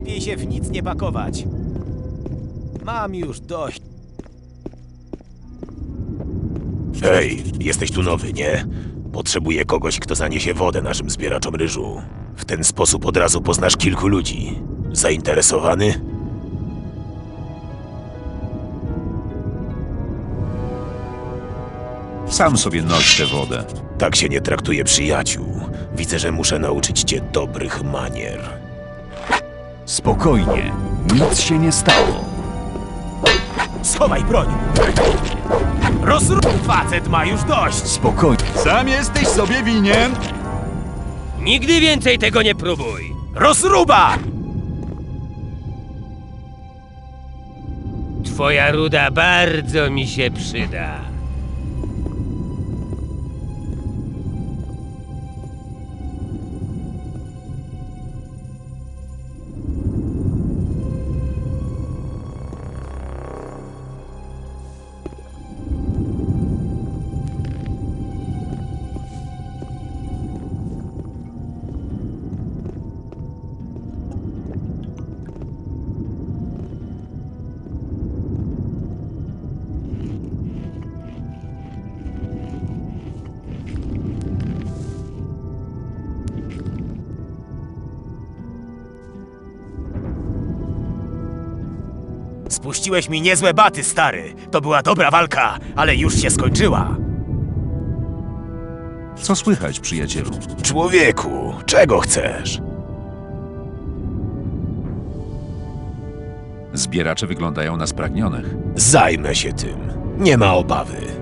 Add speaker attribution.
Speaker 1: Lepiej się w nic nie pakować. Mam już dość.
Speaker 2: Hej, jesteś tu nowy, nie? Potrzebuję kogoś, kto zaniesie wodę naszym zbieraczom ryżu. W ten sposób od razu poznasz kilku ludzi. Zainteresowany?
Speaker 3: Sam sobie noś tę wodę.
Speaker 2: Tak się nie traktuje przyjaciół. Widzę, że muszę nauczyć cię dobrych manier.
Speaker 3: Spokojnie, nic się nie stało.
Speaker 1: Schowaj broń! Facet ma już dość!
Speaker 3: Spokojnie. Sam jesteś sobie winien.
Speaker 4: Nigdy więcej tego nie próbuj!
Speaker 1: Rozruba!
Speaker 4: Twoja ruda bardzo mi się przyda.
Speaker 1: Spuściłeś mi niezłe baty, stary. To była dobra walka, ale już się skończyła.
Speaker 3: Co słychać, przyjacielu?
Speaker 2: Człowieku, czego chcesz?
Speaker 3: Zbieracze wyglądają na spragnionych.
Speaker 2: Zajmę się tym. Nie ma obawy.